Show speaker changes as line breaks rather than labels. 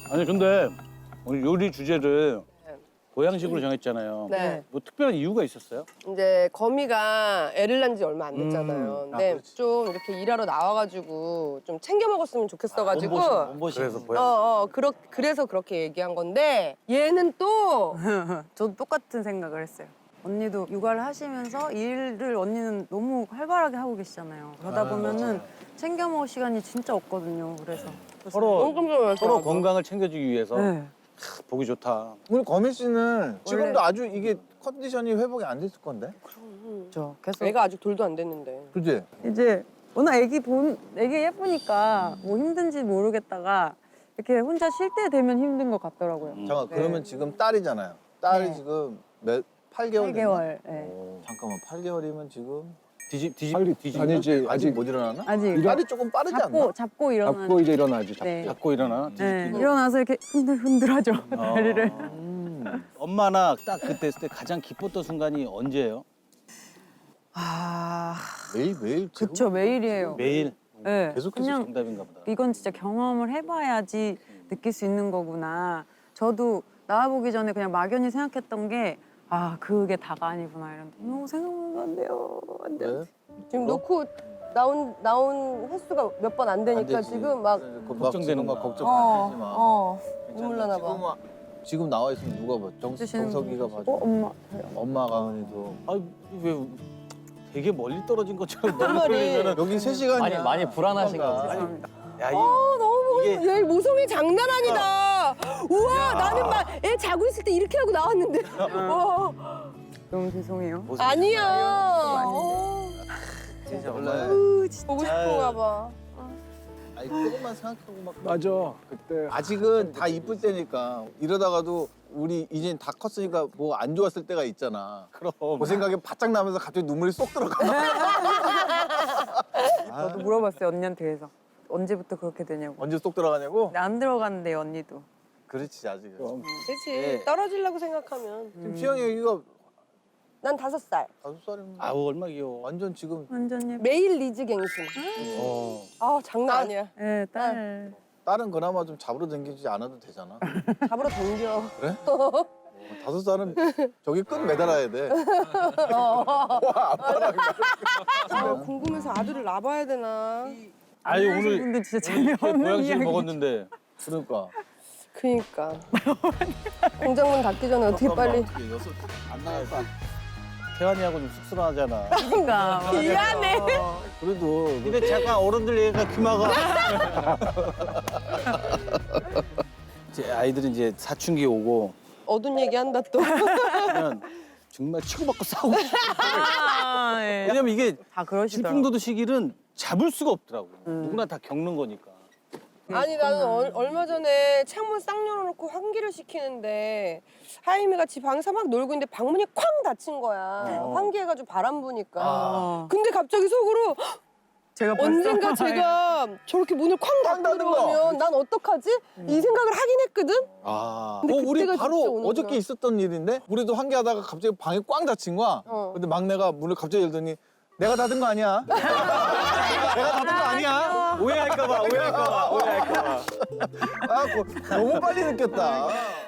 아니 근데 오늘 요리 주제를 보양식으로 정했잖아요.
네.
뭐 특별한 이유가 있었어요?
이제 거미가 애를 낳은 지 얼마 안 됐잖아요. 근데
그렇지.
좀 이렇게 일하러 나와가지고 좀 챙겨 먹었으면 좋겠어가지고.
그래서
그래서 그렇게 얘기한 건데 얘는 또
저도 똑같은 생각을 했어요. 언니도 육아를 하시면서 일을 언니는 너무 활발하게 하고 계시잖아요. 그러다 보면은 챙겨 먹을 시간이 진짜 없거든요. 그래서
서로
깜짝
서로 건강을 챙겨주기 위해서
네.
보기 좋다.
우리 거미 씨는 지금도
원래-
아주 이게 컨디션이 회복이 안 됐을 건데?
저 계속
애가 아직 돌도 안 됐는데.
그지?
이제 워낙 애기 예쁘니까 뭐 힘든지 모르겠다가 이렇게 혼자 쉴 때 되면 힘든 것 같더라고요.
잠깐
네.
그러면 지금 딸이잖아요. 딸이
네.
지금 몇 8개월?
8개월. 네.
잠깐만 8개월이면 지금
아니지
아직 못 일어나나?
아직
딸이 조금 빠르지 않나?
잡고 일어나.
잡고 이제 일어나지.
네.
잡고 일어나.
네. 일어나서 이렇게 흔들흔들하죠 다리를.
엄마나 딱 그때 했을 때 가장 기뻤던 순간이 언제예요?
아,
매일
그쵸 매일이에요.
매일.
네.
계속해서
그냥
정답인가 보다.
이건 진짜 경험을 해봐야지 느낄 수 있는 거구나. 저도 나와보기 전에 그냥 막연히 생각했던 게 아 그게 다가 아니구나 이런데 너무 생각도 안 돼요. 안 돼요.
왜?
지금 놓고 나온 횟수가 몇 번 안 되니까
되지.
지금 막
걱정되는
막
거야.
걱정하지 마.
눈물 나나 봐.
지금 나와 있으면 누가 봐?
드시는
정석이가
분.
봐줘.
엄마.
엄마 가은이도.
아왜 되게 멀리 떨어진 것처럼
말이.
여기 3시간이야.
많이 불안하신 거 같아요.
죄송합니다.
야,
너무
이게-
얘 모성이 장난 아니다. 우와 나는 막 애 자고 있을 때 이렇게 하고 나왔는데. 와,
너무 죄송해요.
아니야.
진짜 원래
보고 싶은가 봐.
아니 조금만 생각하고 막
맞아. 그때
아직은 다 이쁠 때니까 이러다가도 우리 이제 다 컸으니까 뭐 안 좋았을 때가 있잖아.
그럼.
그 생각에 바짝 나면서 갑자기 눈물이 쏙 들어가.
저도 물어봤어요 언니한테 그래서 언제부터 그렇게 되냐고.
언제 쏙 들어가냐고?
근데 안 들어갔는데 언니도.
그렇지 아직은.
그렇지.
네.
떨어지려고 생각하면.
지금 시영이 여기가
난 5살.
5살이면
아우 얼마 귀여워.
완전 지금
완전 예뻐.
매일 리즈갱신.
어.
아 장난 아니야.
네, 딸.
딸은 그나마 좀 잡으러 다니지 않아도 되잖아.
잡으러 댕겨.
그래? 5살은 저기 끈 매달아야 돼.
궁금해서 아들을 낳아봐야 되나.
아니 오늘
근데 진짜
이렇게
재미없는
보양식
이야기.
먹었는데
그러니까.
그니까. 공장문 닫기 전에 어떻게 빨리.
안 나갈까?
태환이하고 좀 쑥스러워하잖아.
그러니까.
미안해.
그래도
근데 잠깐 어른들 얘기가 귀마가. 이제 아이들은 이제 사춘기 오고
어두운 얘기한다 또.
그러면 정말 치고받고 싸우고.
아, 예.
왜냐면 이게
다 그러시더라고요.
질풍노도 시기는 잡을 수가 없더라고. 누구나 다 겪는 거니까.
아니 나는 얼마 전에 창문 싹 열어놓고 환기를 시키는데 하임이가 집 방에서 막 놀고 있는데 방문이 쾅 닫힌 거야. 환기해가지고 바람 부니까. 근데 갑자기 속으로 헉,
제가 벌써
언젠가 제가 저렇게 문을 쾅 닫고
닫는 거.
들어가면 난 어떡하지? 이 생각을 하긴 했거든?
아.
근데
우리
그때가 진짜
바로
오는구나.
어저께 있었던 일인데 우리도 환기하다가 갑자기 방에 꽝 닫힌 거야. 근데 막내가 문을 갑자기 열더니 내가 닫은 거 아니야? 내가 닫은 거 아니야?
오해할까봐, 오해할까봐, 오해할까봐.
아, 너무 빨리 느꼈다.